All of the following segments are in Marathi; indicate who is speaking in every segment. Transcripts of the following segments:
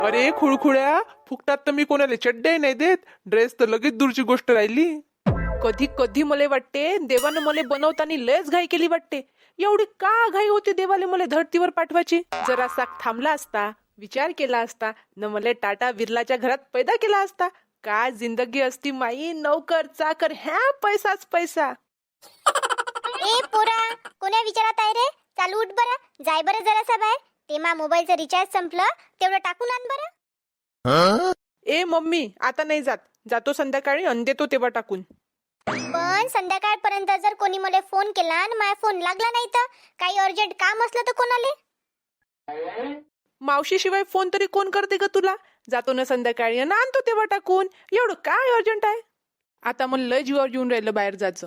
Speaker 1: अरे खुळखुळ्या, फुकटात तर मी कोणाला चड्ड्याही नाही देत. ड्रेस तर लगेच दूरची गोष्ट राहिली. कधी कधी मला वाटते देवानं मला बनवताना लयच घाई केली वाटते. एवढी का घाई होती देवाले मला धरतीवर पाठवायची? जरासा थांबला असता, विचार केला असता, न मला टाटा बिर्लाच्या घरात पैदा केला असता, काय जिंदगी असती माई. नौकर चाकर ह्या पैसाच पैसा.
Speaker 2: ए पोरा, कोण्या विचारात आहे रे? चालू उठ बरं, जाय बरं जरासा बाहेर. ते मा मोबाईलचं रिचार्ज संपलं, तेवढं टाकून आण बरं.
Speaker 1: ए मम्मी, आता नाही जात. जातो संध्याकाळी आणि देतो तेव्हा टाकून.
Speaker 2: पण संध्याकाळपर्यंत जर कोणी मला फोन केला आणि माझा फोन लागला नाही तर काही अर्जंट काम असलं तर कोणाले?
Speaker 1: मावशी शिवाय फोन तरी कोण करते का तुला? जातो ना संध्याकाळी आणि आणतो तेव्हा टाकून. एवढं काय अर्जंट आहे? आता मला लय जीवावर येऊन राहिलं बाहेर जायचं.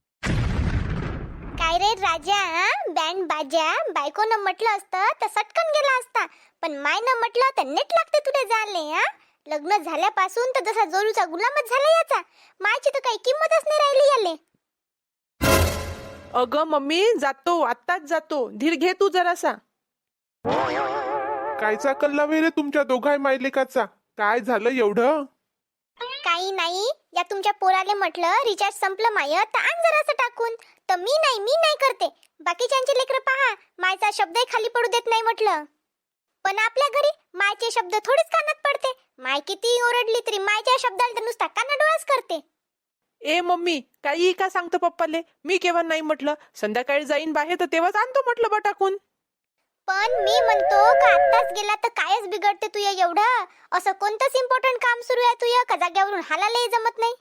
Speaker 2: काय रे राजा, बँड बाजा बायकोनं म्हटलं असतं तर सटकन गेला असता, पण मायनं म्हटलं तर नेट लागते तुला जाले. लग्न झाल्यापासून तर जसा जोरूचा गुलामच झाला याचा. मायची तर काही किंमतच नाही राहिली याले.
Speaker 1: अगं मम्मी, जातो, आत्ताच जातो. धीर घे तू जरासा. कायचा कल्ला वे रे तुमच्या दोघाय मायलेकाचा? काय झालं एवढं?
Speaker 2: काही नाही, या तुमच्या पोराले म्हटलं रिचार्ज संपलं माय तर आण जरासं टाकून. तर मी नाही करते. बाकीच्यांचे लेकरं पहा, मायचा शब्दही खाली पडू देत नाही म्हटलं. पण आपल्या घरी मायचे शब्द थोडीच कानात पडते. माय किती ओरडली तरी मायच्या शब्दाला तर नुसता कानाडोळाच करते.
Speaker 1: ए मम्मी, काही का सांगतो पप्पाले? मी केव्हा नाही म्हटलं. संध्याकाळी जाईन बाहेर तर तेव्हाच आणतो म्हटलं बा टाकून.
Speaker 2: पण मी म्हणतो का आत्ताच गेला तर कायच बिघडते तुया एवढं? असं कोणतंच इम्पॉर्टंट काम सुरू आहे तुया का जाग्यावरून हालायलाही जमत नाही?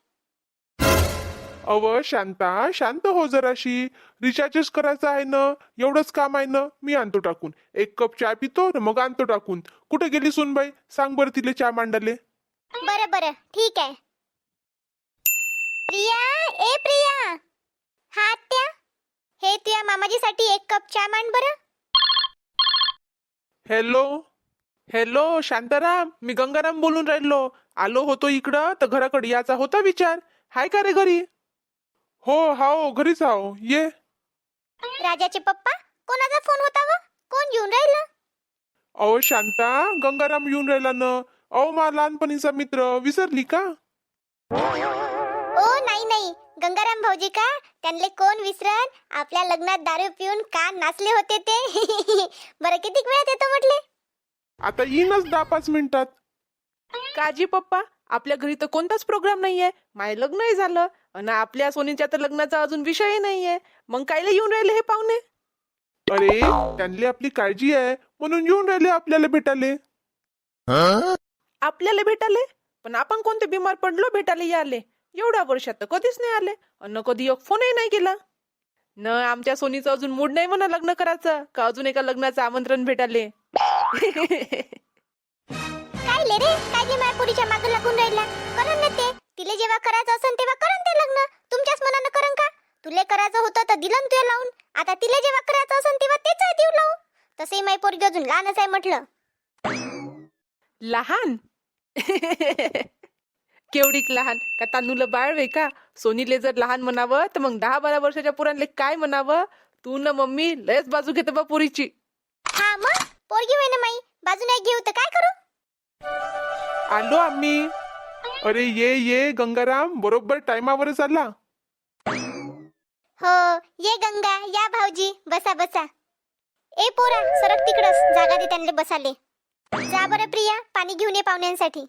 Speaker 1: अव शांता, शांत हो जराशी. रिचार्जच करायचं आहे ना, एवढंच काम आहे ना. मी आणतो टाकून. एक कप चहा पितो न मग आणतो टाकून. कुठे गेली सुनबाई? सांग बरं तिले चहा मांडाले.
Speaker 2: बरं ठीक आहे. प्रिया, ए प्रिया. हा आत्या, हे तुया मामाजीसाठी एक कप चहा मांड बरं.
Speaker 1: हॅलो हॅलो शांताराम, मी गंगाराम बोलून राहिलो. आलो होतो इकडं तर घराकडे याचा होता विचार. हाय का रे घरी? हो घरीच आहो, ये.
Speaker 2: राजाचे पप्पा, कोणाचा फोन होता व? कोण येऊन राहिलं?
Speaker 1: अहो शांता, गंगाराम येऊन राहिला ना. अहो मा लहानपणीचा मित्र, विसरली का?
Speaker 2: ओ नाही, गंगाराम भाऊजी का? त्यांले कोण विसरन? आपल्या लग्नात दारू पिऊन का नाचले होते ते. बरं किती वेळात येतो म्हटले?
Speaker 1: आता येईनच 10-5 मिनिटात. काजी पप्पा, आपल्या घरी तर कोणताच प्रोग्राम नाहीये. माय लग्नही झालं आणि आपल्या सोनीच्या तर लग्नाचा अजून विषयही नाहीये. मग कायला येऊन राहिले हे पाहुणे? अरे, त्यांनी आपली काळजी आहे म्हणून येऊन राहिले आपल्याला भेटाले. आपल्याला भेटाले? पण आपण कोणते बिमार पडलो भेटाले याले? एवढ्या वर्षात तर कधीच नाही आले आणि कधी एक फोनही नाही केला. न आमच्या सोनीचं अजून मूड नाही म्हणा लग्न करायचं का अजून एका लग्नाचं आमंत्रण भेटाले.
Speaker 2: काय ले रे, काय जे मायपुरीच्या मागं लागून राहिला? करन ना ते. तिले जेव्हा करायचं असन तेव्हा करन ते लग्न. तुमच्याच मनानं करन का? तुले करायचं होतं तर दिलं तुला लावून. आता तिले जेव्हा करायचं असन तेव्हा तेच देऊ लावू. तसे मायपोरगी अजून लहानच आहे म्हटलं.
Speaker 1: लहान? केवढीक लहान? का तांदूळ बाळ वे का? सोनीले जर लहान म्हणावं तर मग 10-12 वर्षाच्या पोरांले काय म्हणावं? तू न मम्मी लयच बाजू घेते बा पोरीची.
Speaker 2: हा मग पोरगी होय ना माई, बाजू नाही घेऊ तर काय करू?
Speaker 1: आलो आम्ही. अरे ये गंगाराम, बरोबर टायमावरच आला.
Speaker 2: हो, ये गंगा, या भाऊजी, बसा. ए पोरा, सरक तिकडच, जागा दे त्यांना बसाले. जा बरं प्रिया, पाणी घेऊन ये पाहुण्यांसाठी.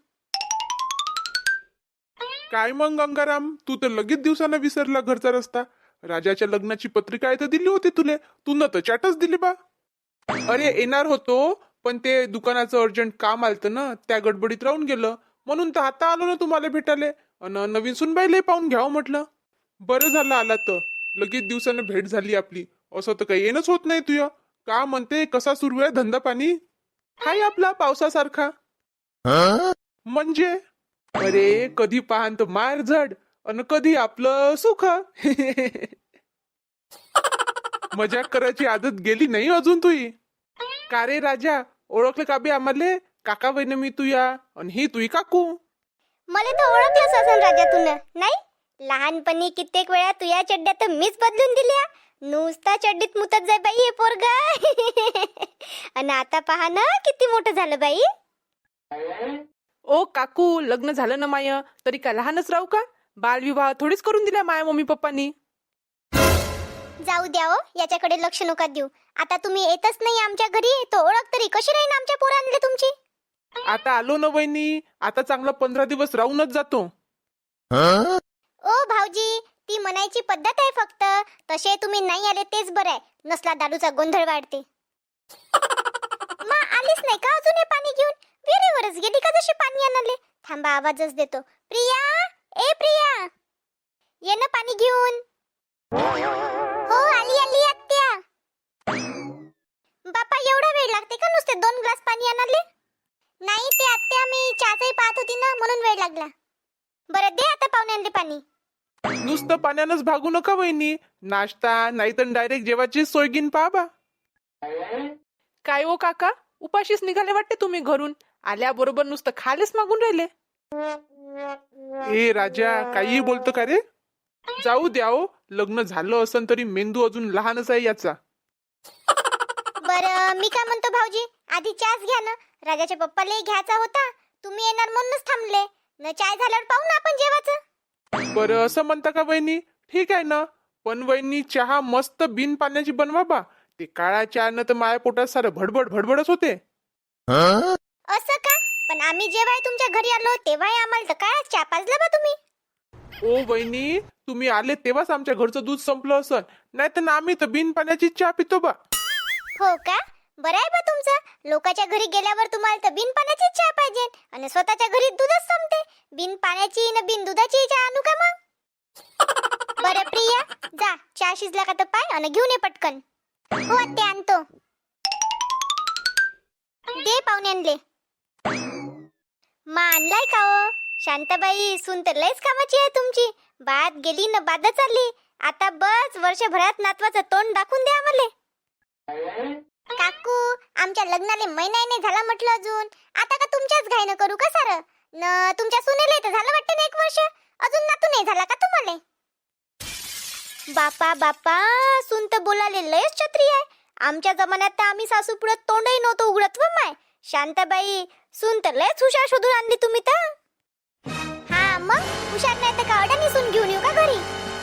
Speaker 1: काय मग गंगाराम, तू तर लगेच दिवसानं विसरला घरचा रस्ता. राजाच्या लग्नाची पत्रिका आहे तर दिली होती तुले. तू न तर चाटच दिली बा. अरे येणार होतो, पण ते दुकानाचं अर्जंट काम आलतं ना, त्या गडबडीत राहून गेलं. म्हणून तर आता आलो ना तुम्हाला भेटाले. अन नवीन सुनबाईले पाहून घ्यावं म्हटलं. बरं झालं आला तर. लगेच दिवसानं भेट झाली आपली. असं तर काही येणंच होत नाही तुया. का म्हणते, कसा सुरू आहे धंदा पाणी? हाय आपला पावसासारखा. म्हणजे अरे कधी पाहान तर मार झड अन कधी आपलं सुख. मजाक करायची आदत गेली नाही अजून तुई? का रे राजा, ओळखलं का बे आम्हाले? काका बहिण मी तुया आणि ही तुई काकू.
Speaker 2: मला तर ओळखलंच असेल राजा तुन, नाही? लहानपणी कित्येक वेळा तुया चड्ड्या तर मीच बदलून दिल्या. नुसता चड्डीत मुतत जाय बाई हे पोरगा. आणि आता पहा ना किती मोठं झालं बाई.
Speaker 3: ओ काकू, लग्न झालं ना माय, तरी काय लहानच राहू का? बालविवाह थोडीच करून दिला माया मम्मी पप्पांनी.
Speaker 2: जाऊ द्या हो, याच्याकडे लक्ष नका देऊ. आता तुम्ही येतच नाही आमच्या घरी, तो ओळख तरी कशी राहीन आमच्या पोरांले तुमची?
Speaker 1: आता आलो ना वहिनी, आता चांगला 15 दिवस राहूनच जातो.
Speaker 2: ओ भाऊजी, ती म्हणायची पद्धत आहे फक्त. तसे तुम्ही नाही आले तेच बरं आहे. नसला दारूचा गोंधळ वाढते. मा आलीच नाही का अजून हे पाणी घेऊन? विहिरीवरच गेली का जशी पाणी आणाले? थांबा, आवाजच देतो. प्रिया, ए प्रिया, ये ना पाणी घेऊन. हो, आली आली आत्या. बापा, एवढा वेळ लागते का नुसते 2 ग्लास पाणी आणाले? नाही ते आत्या, मी चहाचाही पाहत होती ना, म्हणून वेळ लागला. बरं दे आता पाहुण्यांले पाणी.
Speaker 1: नुसतं पाण्यानंच भागू नका वहिनी. नाश्ता नाही तर डायरेक्ट जेवायची सोय घेऊन पहा बा.
Speaker 3: काय ओ काका, उपाशीच निघाले वाटते तुम्ही घरून. आल्याबरोबर नुसतं खायलाच मागून राहिले.
Speaker 1: ए राजा, काही बोलतो का रे? जाऊ द्या हो, लग्न झालं असन तरी मेंदू अजून लहानच आहे याचा.
Speaker 2: बरं मी काय म्हणतो भाऊजी, आधी चहाच घ्या ना. राजाच्या पप्पालाही घ्यायचा होता. तुम्ही येणार म्हणूनच थांबले. न चाय झाल्यावर पाहू ना आपण जेवायचं.
Speaker 1: बरं असं म्हणता का वहिनी? ठीक आहे ना. पण वहिनी, चहा मस्त बिन पाण्याची बनवा बा. ते काळा चहानं तर माझ्या पोटात सारं भडबड भडबडच होते.
Speaker 2: असं का? पण आम्ही जेव्हा तुमच्या घरी आलो तेव्हा आम्हाला तर काय चहा पाजला बा तुम्ही?
Speaker 1: ओ वहिनी, तुम्ही आले तेव्हाच आमच्या घरचं दूध संपलं असन. नाही तर आम्ही तर बिन पाण्याची चहा पितो बा.
Speaker 2: हो का? बरं आहे बा तुमचं. लोकांच्या घरी गेल्यावर तुम्हाला तर बिन पाण्याची चहा पाहिजे आणि स्वतःच्या घरी दूधच संपते. बिन पाण्याची न बिन दुधाची चहा आणू का मग? बरं प्रिया, जा चहा शिजला का तर पाय आणि घेऊन ये पटकन. हो ते आणतो. दे पाहुण्यांले. मा आणलाय का हो? शांताबाई, सून तर लयच कामाची आहे तुमची. बात गेली न बादच आली. आता बस वर्षभरात नातवाचं तोंड दाखवून द्या आम्हाला. काकू, आमच्या लग्नाले महिना नाही झाला म्हटलं अजून. आता का तुमच्याच घाईनं करू का सारं? न तुमच्या सुनेले तर झालं वाटतं ना 1 वर्ष. अजून नातू नाही झाला का तुम्हाला? बापा बापा, सून तर बोलाले लयच छत्री आहे. आमच्या जमान्यात तर आम्ही सासू पुढे तोंडही नव्हतं उघडत व माय. शांताबाई, सून तर लयच हुशार शोधून आणली तुम्ही तर. हा मग, हुशार नाही तर का अडाणी सून घेऊन येऊ का घरी?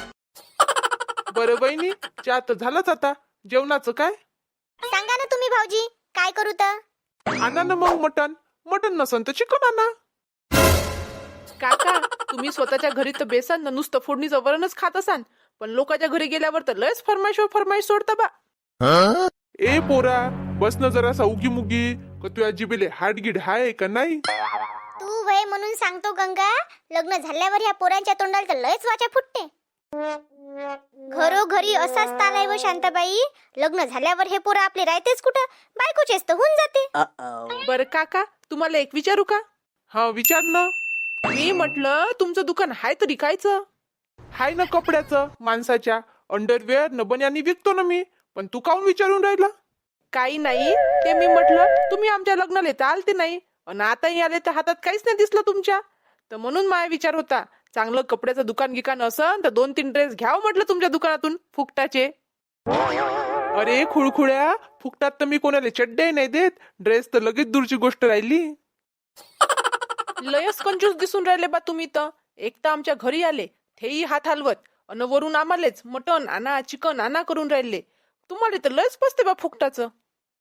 Speaker 1: बरं वहिनी, चहा तर झालाच. आता जेवणाचं काय?
Speaker 2: सांगा ना तुम्ही भाऊजी, काय करू तर?
Speaker 1: आणा ना मग मटण. मटण नसन तर चिकन आणा.
Speaker 3: काका, तुम्ही स्वतःच्या घरी तर बेसन न नुसतं फोडणीचं वरणच खात असाल, पण लोकांच्या घरी गेल्यावर तर लयच फरमाईश सोडता बा.
Speaker 1: ए पोरा, बस ना जरासा उगी मुगी. का तुझ्या जिबेले हाडगीड हाय का नाही?
Speaker 2: तू वय म्हणून सांगतो गंगा. लग्न झाल्यावर ह्या पोरांच्या तोंडाला तर लयच वाचा फुटते. घरोघरी असाच ताल आहे व शांताबाई. लग्न झाल्यावर हे पोरं आपले राहतेच कुठं? बायकोचेच तर होऊन जाते.
Speaker 3: बरं काका, तुम्हाला एक विचारू का?
Speaker 1: हा विचार ना.
Speaker 3: मी म्हटलं, तुमचं दुकान हाय तरी कायचं?
Speaker 1: हाय ना कपड्याचं, माणसाच्या अंडरवेअर न बन्यानी विकतो ना मी. पण तू काऊन विचारून राहिला?
Speaker 3: काही नाही, ते मी म्हटलं तुम्ही आमच्या लग्नाला तर आलते नाही आणि आताही आले तर हातात काहीच नाही दिसलं तुमच्या. तर म्हणून माझा विचार होता, चांगलं कपड्याचं दुकान गिकान असन तर 2-3 ड्रेस घ्यावं म्हटलं तुमच्या दुकानातून फुकटाचे.
Speaker 1: अरे खुळखुळ्या, फुकटात तर मी कोणाला चड्डे नाही देत. ड्रेस तर लगेच दूरची गोष्ट राहिली.
Speaker 3: लयच कंजूस दिसून राहिले बा तुम्ही तर. एक तर आमच्या घरी आले, तेही हात हलवत, अन वरून आम्हालेच मटण आणा चिकन आणा करून राहिले. तुम्हाला तर लयच पसते बा फुकटाचं.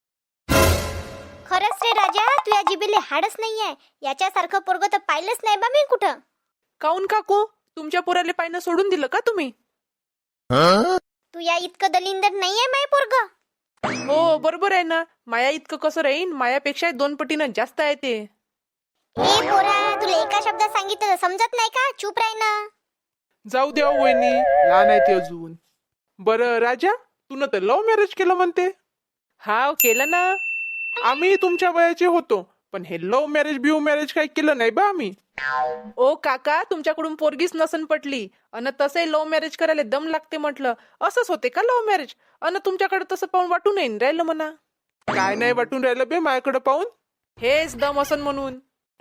Speaker 2: खरंच रे राजा, तुझ्या जिबेले हाडच नाहीये. याच्यासारखं पोरग तर पाहिलंच नाही बा मी कुठं.
Speaker 3: काऊन काकू, तुमच्या पोराले पायनं सोडून दिलं का तुम्ही?
Speaker 2: तू या इतकं दलिंदर नाहीये माय पोरग.
Speaker 3: हो बरोबर आहे ना. माया इतकं कसं राहीन? मायापेक्षा 2 पटीनं जास्त आहे ते.
Speaker 2: ए पोरा, तुला एका शब्दात सांगितलं समजत नाही का? चूप राह ना.
Speaker 1: जाऊ द्या हो वहिनी, लहान आहे ते अजून. बरं राजा, तू न तर लव्ह मॅरेज केलं म्हणते.
Speaker 3: हा केलं ना.
Speaker 1: आम्ही तुमच्या वयाचे होतो, पण हे लव्ह मॅरेज बिव मॅरेज काही केलं नाही बा आम्ही.
Speaker 3: ओ काका, तुमच्याकडून पोरगीच नसन पटली अन तसे लव्ह मॅरेज करायला दम लागते म्हटलं. असंच होते का लव्ह मॅरेज? अन तुमच्याकडे तसं पाहून वाटून येईन राहिलं म्हणा.
Speaker 1: काय नाही वाटून राहिलं बे माझ्याकडे पाहून.
Speaker 3: हेच दम असन म्हणून.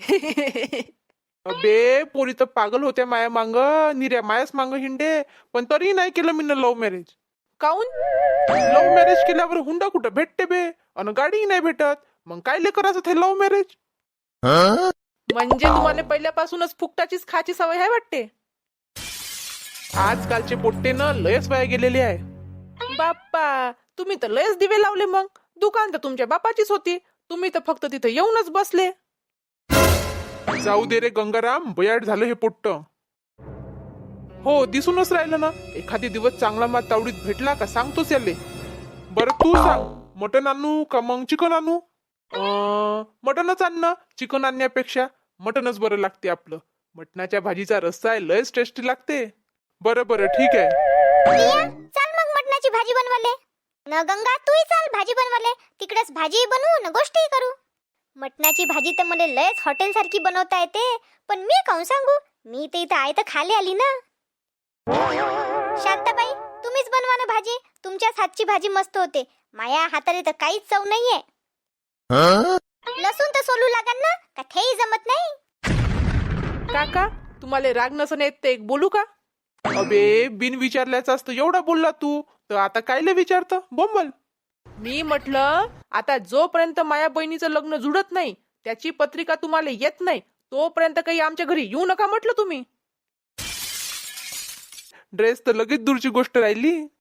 Speaker 1: अबे पोरी तर पागल होत्या माया मांग, निऱ्या मायाच मांग हिंडे. पण तरी नाही केलं मी लव्ह मॅरेज.
Speaker 3: काऊन?
Speaker 1: लव्ह मॅरेज केल्यावर हुंडा कुठं भेटते बे, अन गाडीही नाही भेटत. मग काय करायचं ते लव्ह मॅरेज?
Speaker 3: म्हणजे तुम्हाला पहिल्यापासूनच फुकटाचीच खाची सवय आहे वाटते.
Speaker 1: आजकालचे पोट्टे ना लयच वाया गेलेले आहे.
Speaker 3: बाप्पा, तुम्ही तर लयच दिवे लावले. मग दुकान तर तुमच्या बापाचीच होती, तुम्ही तर फक्त तिथे येऊनच बसले.
Speaker 1: जाऊ दे रे गंगाराम, बयाड झालं हे पोट्ट. हो, दिसूनच राहिलं ना. एखादी दिवस चांगला माल तावडीत भेटला का सांगतोच याले. बरं तू सांग, मटण आणू का मग चिकन आणू? मटणच आण ना. चिकन आणण्यापेक्षा मटणच बरं लागते आपलं. मटणाच्या भाजीचा रस्सा आहे, लयच टेस्टी लागते. बरं बरं ठीक आहे.
Speaker 2: प्रिया, चल मग मटणाची भाजी बनवाले. न गंगा, तूही चाल भाजी बनवाले. तिकडेच भाजी बनवू न गोष्टी करू. मटणाची भाजी तर मला लयच हॉटेल सारखी बनवता येते, पण मी काऊन सांगू? मी तर इथं आहे तर खाली आली ना. शांताबाई, तुम्हीच बनवा ना भाजी. तुमच्याच हातची भाजी मस्त होते. माया हाताने तर काहीच चव नाहीये. लसूण तर सोलू लागन ना, का तेही जमत नाही?
Speaker 3: काका, तुम्हाला राग नसन येत ते एक बोलू का?
Speaker 1: अबे, बिन विचारल्याचं असतं एवढा बोलला तू, तर आता कायले विचारतं? बोंबल.
Speaker 3: मी म्हटलं, आता जोपर्यंत माया बहिणीचं लग्न जुडत नाही, त्याची पत्रिका तुम्हाला येत नाही, तोपर्यंत काही आमच्या घरी येऊ नका म्हटलं तुम्ही.
Speaker 1: ड्रेस तर लगेच दूरची गोष्ट राहिली.